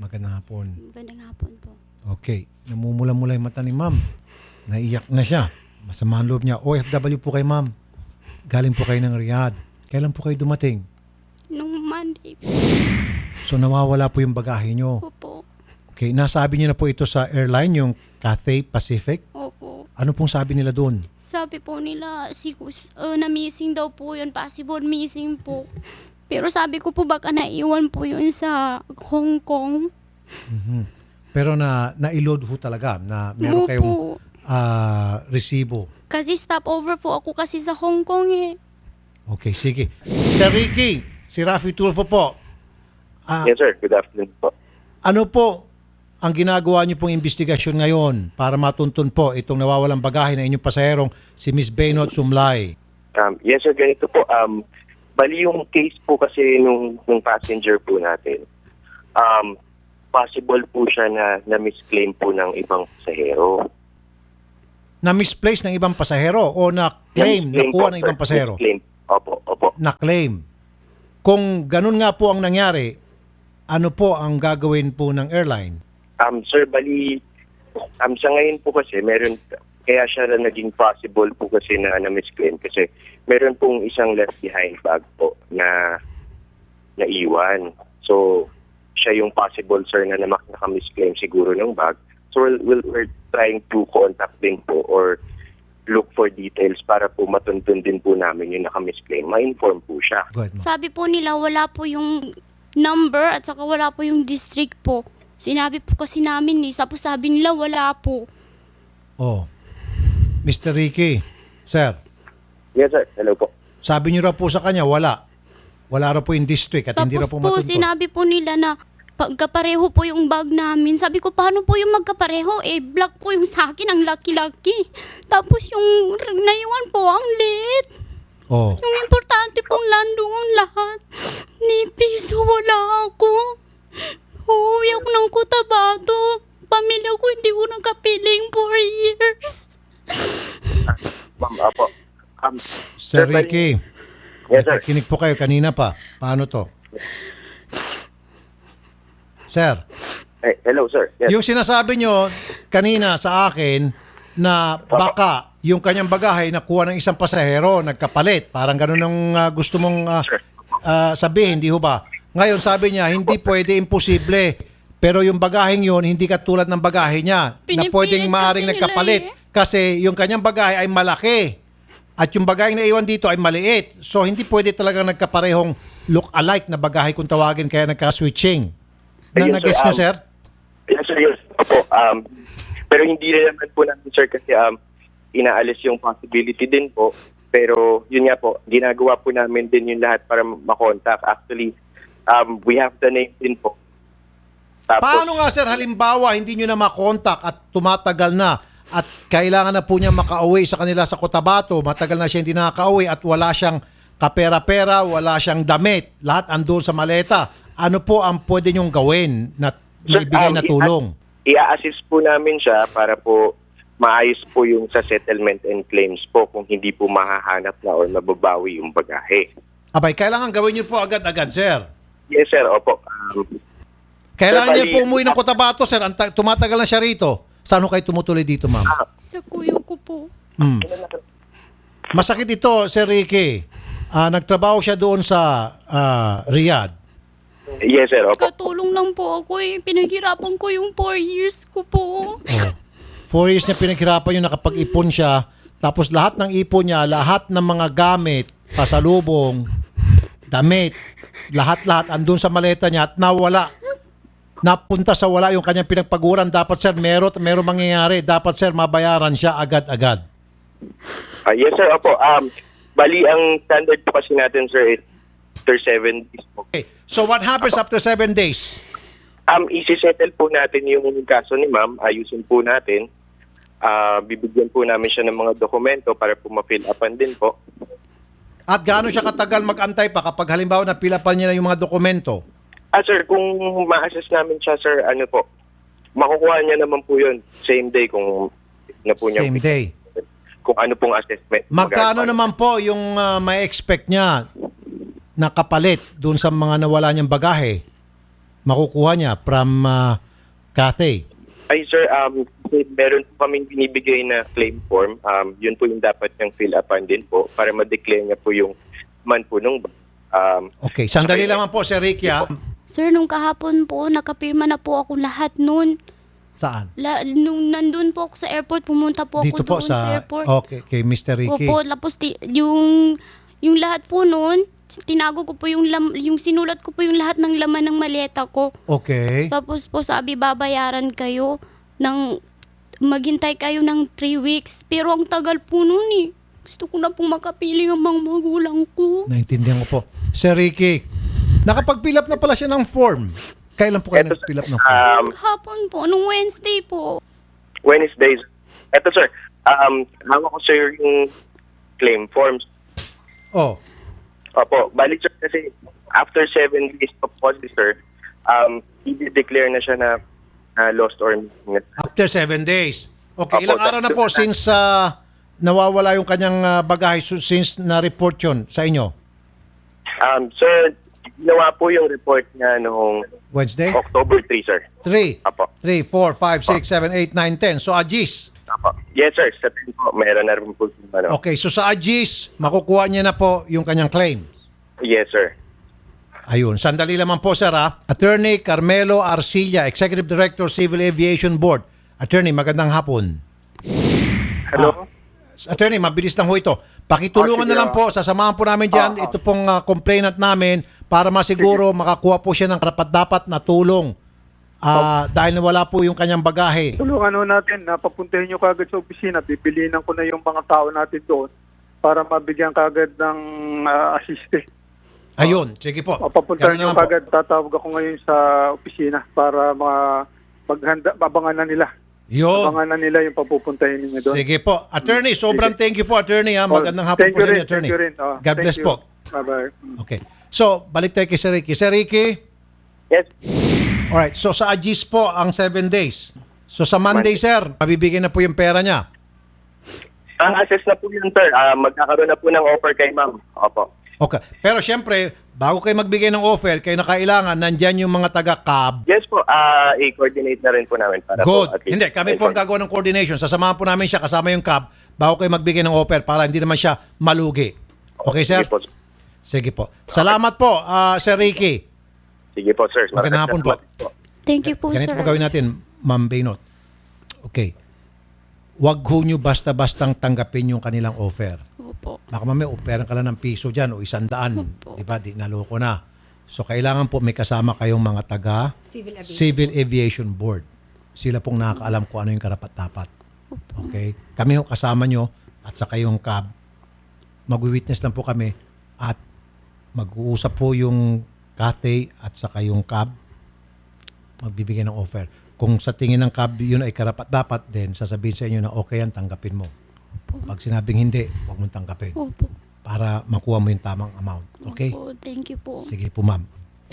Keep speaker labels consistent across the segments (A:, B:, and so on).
A: Magandang hapon.
B: Magandang hapon po.
A: Okay. Namumula-mula yung mata ni ma'am. Naiyak na siya. Masama ang loob niya. OFW po kay ma'am. Galing po kayo ng Riyadh. Kailan po kayo dumating?
B: Nung Monday
A: So nawawala po yung bagahe niyo.
B: po.
A: Okay. Nasabi niyo na po ito sa airline, yung Cathay Pacific.
B: Opo.
A: Ano pong sabi nila doon?
B: Sabi po nila, na missing daw po yun. Possible missing po. Pero sabi ko po baka naiwan po yun sa Hong Kong.
A: Pero na-load ho talaga na meron
B: Opo.
A: kayong resibo.
B: Kasi stopover po ako kasi sa Hong Kong eh.
A: Okay, sige. Sir Ricky, si Rafi Tulfo po.
C: Yes, sir. Good afternoon po.
A: Ano po ang ginagawa niyo pong investigasyon ngayon para matuntun po itong nawawalang bagahe na inyong pasaherong si Miss Baynot Sumlay?
C: Yes, sir. Ganito po. Bali yung case po kasi nung passenger po natin, possible po siya na misclaim po ng ibang pasahero.
A: Na-misplace ng ibang pasahero o na-claim, nakuha ng ibang pasahero?
C: Misclaim. Opo.
A: Na-claim. Kung ganun nga po ang nangyari, ano po ang gagawin po ng airline?
C: Sir, bali, sa ngayon po kasi, kaya siya na naging possible po kasi na misclaim kasi meron pong isang left behind bag po na naiwan. So, siya yung possible, sir, na naka-misclaim siguro ng bag. So, we're trying to contact din po or look for details para po matuntun din po namin yung naka-misclaim. Ma-inform po siya.
A: Go ahead, ma'am.
B: Sabi po nila wala po yung number at saka wala po yung district po. Sinabi po kasi namin eh. Tapos sabi nila wala po.
A: Oh. Mr. Ricky, sir,
C: Yes, sir. Hello po.
A: sabi niyo raw po sa kanya, wala. Wala raw po yung district at hindi raw
B: Tapos
A: po
B: po
A: matuntun.
B: sinabi po nila na pagkapareho po yung bag namin. Sabi ko, paano po yung magkapareho? Black po yung sa akin, ang laki-laki. Tapos yung naiwan po, ang liit.
A: Oh.
B: Yung importante pong landong ang lahat. Ni piso wala ako. Uuwi ako ng Cotabato. Pamilya ko hindi ko nakapiling 4 years.
C: Ma'am, apo.
A: Sir
C: bali-
A: Ricky,
C: Yes, sir.
A: nakikinig po kayo kanina pa. Paano to? Sir,
C: Hello, sir. Yes.
A: yung sinasabi nyo kanina sa akin na baka yung kanyang bagahe nakuha ng isang pasahero, nagkapalit. Parang ganun ang gusto mong sabihin, di ho ba? Ngayon sabi niya, hindi pwede, imposible. Pero yung bagaheng yun, hindi katulad ng bagahe niya na
B: Pinipilit
A: pwedeng maaring
B: kasi nila
A: nagkapalit. Kasi yung kanyang bagahe ay malaki. At yung bagaheng naiwan dito ay maliit. So hindi pwede talaga nagkaparehong look-alike na bagahe kung tawagin, kaya nagka-switching.
C: Ayun,
A: Nag-gets
C: sir,
A: nyo, sir?
C: Yes, sir. Yes. Opo. Pero hindi rin naman po namin, sir, kasi inaalis yung possibility din po. Pero yun nga po, ginagawa po namin din yung lahat para makontak. Actually, we have the name din po. Tapos,
A: Paano nga, sir, halimbawa, hindi nyo na makontak at tumatagal na at kailangan na po niya makauwi sa kanila sa Cotabato, matagal na siya hindi nakakauwi at wala siyang kapera-pera, wala siyang damit, lahat andun sa maleta. Ano po ang pwede nyong gawin na maibigay na tulong?
C: I-assist po namin siya para po maayos po yung sa settlement and claims po kung hindi po mahahanap na or mababawi yung bagahe.
A: Abay, kailangan gawin nyo po agad-agad, sir.
C: Yes, sir. Opo.
A: Kailangan
C: Sir,
A: niya
C: bali-
A: po umuwi ng Cotabato, sir. Tumatagal na siya rito. Saan ho kayo tumutuloy dito, ma'am?
B: Sa kuyo ko po.
A: Masakit ito, Sir Ricky. Nagtrabaho siya doon sa Riyadh.
C: Yes, sir. Opo.
B: Katulong lang po ako eh. Pinaghirapan ko yung 4 years ko po.
A: 4 years niya pinaghirapan yun, nakapag-ipon siya. Tapos lahat ng ipon niya, lahat ng mga gamit, pasalubong, damit, lahat-lahat andun sa maleta niya at nawala. Napunta sa wala yung kanyang pinagpaguran. Dapat, sir, meron mangyayari. Dapat, sir, mabayaran siya agad-agad.
C: Yes, sir. Opo. Bali, ang standard po kasi natin, sir, is after 7 days po.
A: Okay. So what happens after 7 days?
C: Isi-settle po natin yung kaso ni ma'am. Ayusin po natin. Bibigyan po namin siya ng mga dokumento para po ma-fill upan din po.
A: At gaano siya katagal mag-antay pa kapag halimbawa napilapan niya na yung mga dokumento?
C: Sir, kung ma-assess namin siya, sir, ano po, makukuha niya naman po yun same day kung na po niya.
A: Same day.
C: Kung ano pong assessment.
A: Magkano naman po yung may expect niya na kapalit doon sa mga nawala niyang bagahe? makukuha niya from Cathay?
C: Ay sir, meron po kaming binibigay na claim form. Yun po yung dapat niyang fill upan din po para ma-declare niya po yung man po nung
A: Okay, sandali lamang po, Sir Ricky.
B: Sir, nung kahapon po, nakapirma na po ako lahat nun.
A: Saan?
B: Nung nandun po ako sa airport, pumunta po
A: Dito
B: ako
A: po
B: doon sa
A: sa...
B: airport.
A: Okay, kay Mr. Ricky.
B: Opo, tapos yung lahat po nun, tinago ko po yung sinulat ko po yung lahat ng laman ng maleta ko.
A: Okay.
B: Tapos po sabi, babayaran kayo ng, maghintay kayo ng 3 weeks. Pero ang tagal po nun eh. Gusto ko na pong makapiling ang mga magulang ko.
A: Naintindihan ko po. Sir Ricky, nakapag-fill up na pala siya ng form. Kailan po kayo nag-fill up ng form?
B: Hapon po, nung Wednesday po.
C: Wednesdays. Eto sir, hawak ko sir yung claim forms.
A: Oh,
C: Opo, balik sir kasi after 7 days of policy sir, i-declare na siya na lost or missing.
A: after 7 days. Okay,
C: Opo,
A: ilang araw na po since nawawala yung kanyang bagahe since na-report yun sa inyo?
C: Sir, ginawa po yung report niya noong
A: Wednesday?
C: October 3 sir.
A: 3,
C: Opo.
A: 3, 4, 5, 6, 7, 8, 9, 10. So, Agis.
C: Opo. Yes sir, sa tingin po, meron na rin po yung ano.
A: Okay, so sa Agis, makukuha niya na po yung kanyang claim.
C: Yes sir.
A: Ayun, sandali lamang po, sir, ha? Attorney Carmelo Arcilla, Executive Director, Civil Aviation Board. Attorney, magandang hapon.
C: Hello?
A: Attorney, mabilis lang ho ito. Pakitulungan na lang po, sasamahan po namin dyan. Ito pong complainant namin para masiguro makakuha po siya ng karapat-dapat na tulong. Dahil nawala po yung kanyang bagahe.
D: Tulungan ho natin na papuntahin nyo kagad sa opisina. Bibilinan ko na yung mga tao natin doon para mabigyan kagad ng assiste.
A: Ayun, sige po.
D: Papuntahin
A: Ganun na
D: nyo
A: lang po.
D: kagad. Tatawag ako ngayon sa opisina para abangan na nila.
A: Yun.
D: Abangan na nila yung papupuntahin ninyo doon.
A: Sige po. Attorney, sobrang thank you po, attorney. Magandang hapon
D: Thank
A: po
D: you
A: sa inyo,
D: rin,
A: attorney.
D: thank you rin.
A: God
D: Thank
A: bless
D: you.
A: po.
D: Bye-bye.
A: Okay. So, balik tayo kay Sir Ricky. Sir Ricky,
C: Yes.
A: alright. So, sa Agis po ang 7 days. So, sa Monday, sir, mabibigyan na po yung pera niya.
C: Ang assess na po yun sir. Magkakaroon na po ng offer kay ma'am. Opo.
A: Okay. Pero syempre, bago kayo magbigay ng offer, kayo na kailangan, nandyan yung mga taga-cab.
C: Yes po, i-coordinate na rin po namin para
A: Good.
C: po at least.
A: Hindi, kami po ang gagawa ng coordination. Sasamahan po namin siya kasama yung cab bago kayo magbigay ng offer para hindi naman siya malugi. Okay, sir?
C: Sige po.
A: Sige po. Salamat po, Sir Ricky.
C: Sige po sir.
A: Magandang hapon po.
B: Thank you po,
A: Ganito
B: sir.
A: po gawin natin, Ma'am Baynot. Okay. Huwag ho nyo basta-bastang tanggapin yung kanilang offer.
B: Opo.
A: Baka mamaya operan ka lang ng piso dyan o 100.
B: Opo.
A: Di ba? Di naloko na. So, kailangan po may kasama kayong mga taga Civil Aviation Board. Sila pong nakakaalam kung ano yung karapat-dapat. Okay? Kami ho kasama nyo at saka yung cab. Mag-witness lang po kami at mag-uusap po yung Cathay at saka yung cab. Magbibigay ng offer. Kung sa tingin ng cab yun ay karapat-dapat, then sasabihin sa inyo na okay yan, tanggapin mo. Pag sinabing hindi, huwag mong tanggapin.
B: Opo.
A: Para makuha mo yung tamang amount. Okay?
B: Opo, thank you po.
A: Sige po, ma'am.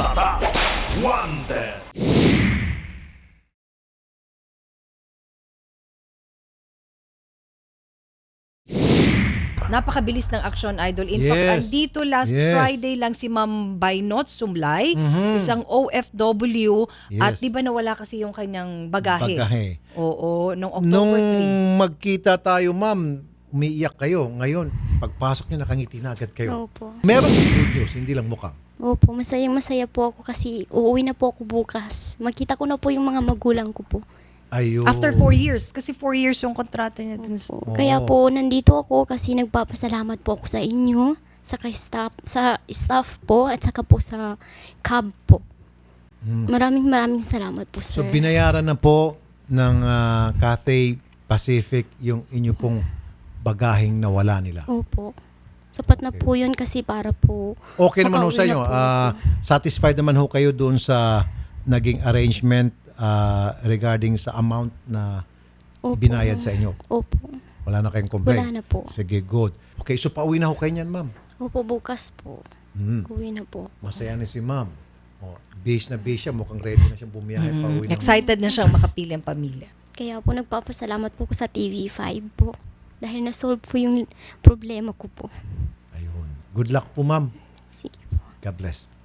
E: Napakabilis ng action, Idol. In
A: Yes.
E: fact, andito last
A: Yes.
E: Friday lang si Ma'am Baynot Sumlay, isang OFW,
A: Yes.
E: at di ba nawala kasi yung kanyang bagahe?
A: Bagahe.
E: Oo, nung October
A: Nung
E: 3.
A: magkita tayo, ma'am, umiiyak kayo. Ngayon, pagpasok niyo, nakangiti na agad kayo.
B: Opo.
A: Meron good news, hindi lang mukhang.
B: Opo, masaya po ako kasi uuwi na po ako bukas. Makita ko na po yung mga magulang ko po.
A: Ayun.
E: After 4 years, kasi 4 years yung kontrata niya.
B: Opo. Kaya po nandito ako kasi nagpapasalamat po ako sa inyo, sa staff po at saka po sa cab po. Maraming salamat po,
A: So,
B: sir.
A: binayaran na po ng Cathay Pacific yung inyo pong bagaheng nawala nila.
B: Opo. Sapat na po yun kasi para po
A: Okay naman ho sa
B: makauwi
A: inyo.
B: na po ako.
A: Satisfied naman ho kayo doon sa naging arrangement regarding sa amount na
B: Opo.
A: binayad sa inyo.
B: Opo.
A: Wala na kayong complaint?
B: Wala na po.
A: Sige, good. Okay, so pauwi na ho kayo niyan, ma'am.
B: Opo, bukas po. Uwi na po.
A: Masaya na si ma'am. Oh, base na base siya. Mukhang ready na siyang bumiyahe pa uwi na.
E: Excited na siyang makapili ang pamilya.
B: Kaya po nagpapasalamat po ko sa TV5 po. Dahil na-solve po yung problema ko po.
A: Ayun. Good luck po, ma'am.
B: Sige po.
A: God bless.